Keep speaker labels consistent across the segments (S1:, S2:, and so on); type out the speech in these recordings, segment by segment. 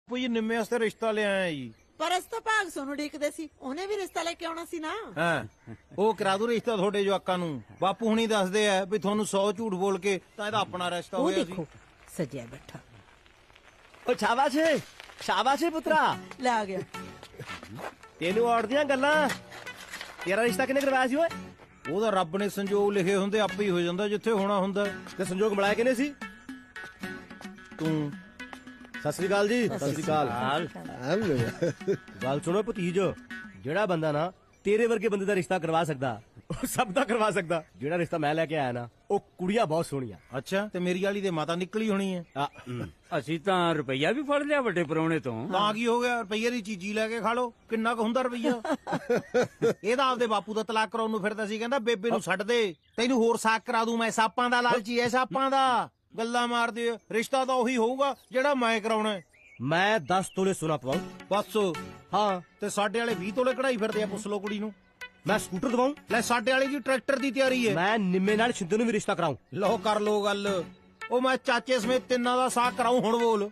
S1: ਬਾਪੂ ਜੀ ਨਿੰਮੇ ਵਾਸਤੇ ਰਿਸ਼ਤਾ ਲਿਆਇਆ ਜੀ।
S2: ਪਰ ਅਸ ਤਾਂ ਭਾਗ ਸੋਨੂੰ ਡੀਕਦੇ ਸੀ, ਉਹਨੇ ਵੀ ਰਿਸ਼ਤਾ ਲੈ ਕੇ ਆਉਣਾ ਸੀ ਨਾ।
S1: ਹਾਂ ਉਹ ਕਰਾ ਦੂ ਰਿਸ਼ਤਾ ਤੁਹਾਡੇ ਜਵਾਕਾਂ ਨੂੰ। ਬਾਪੂ ਹੁਣੀ ਦੱਸਦੇ ਆ ਵੀ ਤੁਹਾਨੂੰ 100 ਝੂਠ ਬੋਲ ਕੇ ਤਾਂ ਇਹਦਾ ਆਪਣਾ ਰਿਸ਼ਤਾ
S2: ਉਹ
S1: ਹੋਇਆ
S2: ਦੇਖੋ
S1: ਸੀ।
S2: ਸਜਿਆ ਬੈਠਾ
S3: ਓ ਸ਼ਾਬਾਸ਼ ਏ ਪੁੱਤਰਾ।
S2: ਲੈ ਆ ਗਿਆ।
S3: ਤੈਨੂੰ ਔੜਦੀਆਂ ਗੱਲਾਂ। ਤੇਰਾ ਰਿਸ਼ਤਾ ਕਿਹਨੇ ਕਰਵਾਇਆ ਸੀ ਓਏ?
S1: ਉਹਦਾ ਰੱਬ ਨੇ ਸੰਜੋਗ ਲਿਖੇ ਹੁੰਦੇ ਆਪੇ ਹੀ ਹੋ ਜਾਂਦਾ ਜਿੱਥੇ ਹੋਣਾ ਹੁੰਦਾ।
S3: ਤੇ ਸੰਜੋਗ ਮਿਲਾਇਆ ਕਿਹਨੇ ਸੀ?
S1: ਤੂੰ
S3: ਸਤਿ ਸ੍ਰੀ ਅਕਾਲ ਜੀ। ਸਤਿ ਸ੍ਰੀ ਅਕਾਲ। ਗੱਲ ਸੁਣੋ ਭਤੀਜ, ਜਿਹੜਾ ਬੰਦਾ ਨਾ ਤੇਰੇ ਵਰਗੇ ਬੰਦੇ ਦਾ ਰਿਸ਼ਤਾ ਕਰਵਾ ਸਕਦਾ ਉਹ ਸਭ ਦਾ ਕਰਵਾ ਸਕਦਾ। ਜਿਹੜਾ ਰਿਸ਼ਤਾ ਮੈਂ ਲੈ ਕੇ ਆਇਆ ਨਾ, ਉਹ ਕੁੜੀਆਂ ਬਹੁਤ ਸੋਹਣੀਆਂ।
S1: ਅੱਛਾ ਤੇ ਮੇਰੀ ਵਾਲੀ ਦੇ ਮਾਤਾ ਨਿਕਲੀ ਹੋਣੀ ਹੈ।
S4: ਅਸੀਂ ਤਾਂ ਰੁਪਈਆ ਵੀ ਫੜ ਲਿਆ ਵੱਡੇ ਪਰੌਣੇ ਤੋਂ।
S1: ਤਾਂ ਕੀ ਹੋ ਗਿਆ, ਰੁਪਈਏ ਦੀ ਚੀਜ਼ੀ ਲੈ ਕੇ ਖਾ ਲੋ। ਕਿੰਨਾ ਕੁ ਹੁੰਦਾ ਰੁਪਈਆ? ਇਹਦਾ ਆਪਦੇ ਬਾਪੂ ਦਾ ਤਲਾਕ ਕਰਾਉਣ ਨੂੰ ਫਿਰਦਾ ਸੀ, ਕਹਿੰਦਾ ਬੇਬੇ ਨੂੰ ਛੱਡ ਦੇ, ਤੈਨੂੰ ਹੋਰ ਸਾਕ ਕਰਾ ਦੂੰ ਮੈਂ। ਸਾਪਾਂ ਦਾ ਲਾਲਚੀ ਐ, ਸਾਪਾਂ ਦਾ। ਗੱਲਾਂ ਮਾਰਦੇ ਆ। ਰਿਸ਼ਤਾ ਤਾਂ ਉਹੀ ਹੋਊਗਾ ਜਿਹੜਾ ਮੈਂ ਕਰਾਉਣਾ ਹੈ।
S3: ਮੈਂ 10 ਤੋਲੇ ਸੋਨਾ ਪਵਾਉ।
S1: ਬਸ
S3: ਹਾਂ,
S1: ਤੇ ਸਾਡੇ ਵਾਲੇ 20 ਤੋਲੇ ਕਢਾਈ ਫਿਰਦੇ ਆ। ਪੁੱਛ ਲੋ ਕੁੜੀ ਨੂੰ।
S3: ਮੈਂ ਸਕੂਟਰ ਦਵਾਉ।
S1: ਲੈ ਸਾਡੇ ਵਾਲੀ ਜੀ ਟਰੈਕਟਰ ਦੀ ਤਿਆਰੀ ਹੈ।
S3: ਮੈਂ ਨਿੰਮੇ ਨਾਲ ਛਿੰਦੇ ਨੂੰ ਵੀ ਰਿਸ਼ਤਾ ਕਰਾਉ।
S1: ਲੋ ਕਰ ਲੋ ਗੱਲ। ਉਹ ਮੈਂ ਚਾਚੇ ਸਮੇਤ ਤਿੰਨਾਂ ਦਾ ਸਾਕ ਕਰਾਉ। ਹੁਣ ਬੋਲ।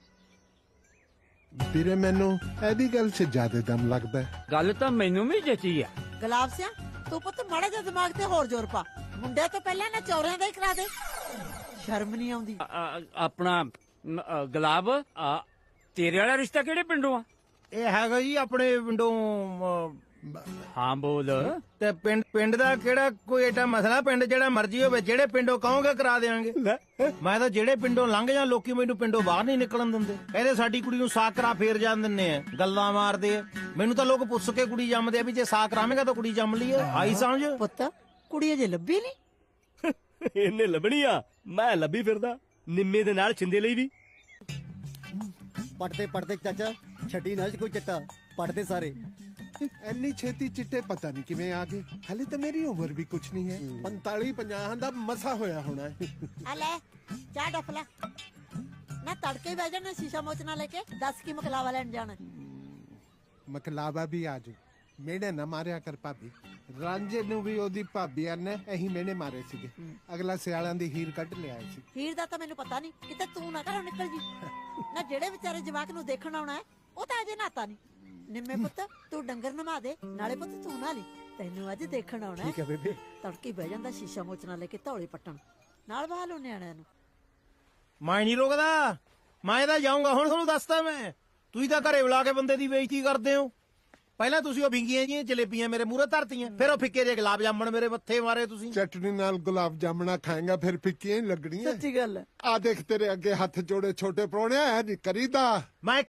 S5: ਵੀਰੇ ਮੈਨੂੰ ਇਹਦੀ ਗੱਲ 'ਚ ਜ਼ਿਆਦਾ ਦਮ ਲੱਗਦਾ ਹੈ।
S4: ਗੱਲ ਤਾਂ ਮੈਨੂੰ ਵੀ ਜਚੀ ਆ।
S2: ਗੁਲਾਬ ਸਿਆ ਤੂੰ ਪੁੱਤ ਮਾੜਾ ਜਿਹਾ ਦਿਮਾਗ ਤੇ ਹੋਰ ਜ਼ੋਰ ਪਾ। ਮੁੰਡੇ ਤੋਂ ਪਹਿਲਾਂ ਨਾ ਚੌਰਿਆਂ ਦਾ ਹੀ ਕਰਾ ਦੇ। ਸ਼ਰਮ ਨਹੀਂ ਆਉਂਦੀ।
S4: ਆਪਣਾ ਗੁਲਾਬ, ਤੇਰੇ ਵਾਲਾ ਰਿਸ਼ਤਾ ਕਿਹੜੇ ਪਿੰਡੋਂ ਆ?
S1: ਇਹ ਹੈਗਾ ਜੀ ਆਪਣੇ ਪਿੰਡੋਂ।
S4: ਹਾਂ ਬੋਲ।
S1: ਤੇ ਪਿੰਡ ਦਾ ਕਿਹੜਾ ਕੋਈ ਏਡਾ ਮਸਲਾ? ਪਿੰਡ ਜਿਹੜਾ ਮਰਜ਼ੀ ਹੋਵੇ, ਜਿਹੜੇ ਪਿੰਡੋਂ ਕਹੋਗੇ ਕਰਾ ਦੇਵਾਂਗੇ। ਮੈਂ ਤਾਂ ਜਿਹੜੇ ਪਿੰਡੋਂ ਲੰਘ ਜਾਂ ਲੋਕੀ ਮੈਨੂੰ ਪਿੰਡੋਂ ਬਾਹਰ ਨਹੀਂ ਨਿਕਲਣ ਦਿੰਦੇ। ਕਹਿੰਦੇ ਸਾਡੀ ਕੁੜੀ ਨੂੰ ਸਾਕ ਕਰਾ ਫੇਰ ਜਾਣ ਦਿੰਨੇ ਆ। ਗੱਲਾਂ ਮਾਰਦੇ ਆ। ਮੈਨੂੰ ਤਾਂ ਲੋਕ ਪੁੱਛ ਕੇ ਕੁੜੀ ਜੰਮਦੇ ਆ ਵੀ ਜੇ ਸਾਕ ਕਰਾਵੇਂਗਾ ਤਾਂ ਕੁੜੀ ਜੰਮ ਲਈ ਆ। ਆਈ ਸਮਝ?
S2: ਪੁੱਤ ਕੁੜੀ ਅਜੇ ਲੱਭੀ ਨਹੀਂ।
S3: ਇਹਨੇ ਲੱਭਣੀ ਆ, ਮੈਂ ਲੱਭੀ ਫਿਰਦਾ। ਨਿੰਮੇ ਦੇ ਨਾਲ ਛਿੰਦੇ ਲਈ ਵੀ।
S6: ਪੜਦੇ ਪੜਦੇ ਚਾਚਾ ਛੱਡੀ ਨਾ ਕੋਈ ਚੱਟਾ। ਪੜਦੇ ਸਾਰੇ।
S5: ਇੰਨੀ ਛੇਤੀ ਚਿੱਟੇ ਪਤਾ ਨਹੀਂ ਕਿਵੇਂ ਆ ਗਏ। ਹਾਲੇ ਤਾਂ ਮੇਰੀ ਉਮਰ ਵੀ ਕੁਛ ਨਹੀਂ ਹੈ। 45-50 ਦਾ ਮਸਾ ਹੋਇਆ ਹੋਣਾ ਹੈ।
S2: ਆ ਲੈ ਚਾਹ ਡਫਲਾ ਨਾ। ਤੜਕੇ ਬਹਿ ਜਾਣਾ ਸ਼ੀਸ਼ਾ ਮੋਚਣਾ ਲੈ ਕੇ। 10 ਕੀ ਮਕਲਾਵਾ ਲੈਣ ਜਾਣਾ।
S5: ਮਕਲਾਵਾ ਵੀ ਆ ਜਾਊ। ਮੇੜੇ ਨਾ ਮਾਰਿਆ ਕਰ ਭਾਬੀ। ਰਾਂਝੇ ਨੂੰ ਵੀ ਉਹਦੀ ਭਾਬੀਆਂ ਨੇ ਇਹੀ ਮੇਨੇ ਮਾਰੇ ਸੀਗੇ। ਅਗਲਾ ਸਿਆਲਾਂ ਦੀ ਹੀਰ ਕੱਢ ਲਿਆ ਸੀ।
S2: ਹੀਰ ਦਾ ਤਾਂ ਮੈਨੂੰ ਪਤਾ ਨਹੀਂ, ਕਿਤੇ ਤੂੰ ਨਾ ਘਰੋਂ ਨਿਕਲ ਜੀ। ਨਾ ਜਿਹੜੇ ਵਿਚਾਰੇ ਜਵਾਕ ਨੂੰ ਦੇਖਣ ਆਉਣਾ ਹੈ ਉਹ ਤਾਂ ਅਜੇ ਨਾਤਾ ਨਹੀਂ। ਨਿੰਮੇ ਪੁੱਤ ਤੂੰ ਡੰਗਰ ਨਮਾ ਦੇ, ਨਾਲੇ ਪੁੱਤ ਤੂੰ ਨਾ ਲਈ। ਤੈਨੂੰ ਅੱਜ ਦੇਖਣ ਆਉਣਾ
S6: ਠੀਕ ਹੈ ਬੇਬੇ।
S2: ਤੜਕੇ ਬਹਿ ਜਾਂਦਾ ਸ਼ੀਸ਼ਾ ਮੋਚਣਾ ਲੈ ਕੇ ਧੌਲੇ ਪੱਟਣ। ਨਾਲ ਬਹਾ ਲੋ ਨਿਆਣਿਆਂ ਨੂੰ।
S1: ਮੈਂ ਨਹੀਂ ਰੋਕਦਾ। ਮੈਂ ਤਾਂ ਜਾਊਂਗਾ ਹੁਣ। ਤੁਹਾਨੂੰ ਦੱਸਦਾ ਮੈਂ। ਤੁਸੀਂ ਤਾਂ ਘਰੇ ਬੁਲਾ ਕੇ ਬੰਦੇ ਦੀ ਬੇਇੱਜ਼ਤੀ ਕਰਦੇ ਹੋ। ਪਹਿਲਾਂ ਤੁਸੀਂ ਉਹ ਵਿੰਗੀਆਂ ਜੀਆਂ ਜਲੇਬੀਆਂ ਮੇਰੇ ਮੂਹਰੇ ਧਰਤੀਆਂ, ਫਿਰ ਉਹ ਫਿੱਕੇ ਜਿਹੇ ਗੁਲਾਬ ਜਾਮਣ ਮੇਰੇ ਮੱਥੇ ਮਾਰੇ ਤੁਸੀਂ।
S5: ਚਟਨੀ ਨਾਲ ਗੁਲਾਬ ਜਾਮਣਾ ਖਾਏਗਾ ਫਿਰ ਫਿੱਕੀਆਂ ਹੀ ਲੱਗਣੀਆਂ।
S2: ਸੱਚੀ ਗੱਲ ਹੈ।
S5: ਆ ਦੇਖ ਤੇਰੇ ਅੱਗੇ ਹੱਥ ਜੋੜੇ ਛੋਟੇ ਪ੍ਰਾਹੁਣਿਆ, ਐ ਨਹੀਂ ਕਰੀਦਾ।
S1: ਮੈਂ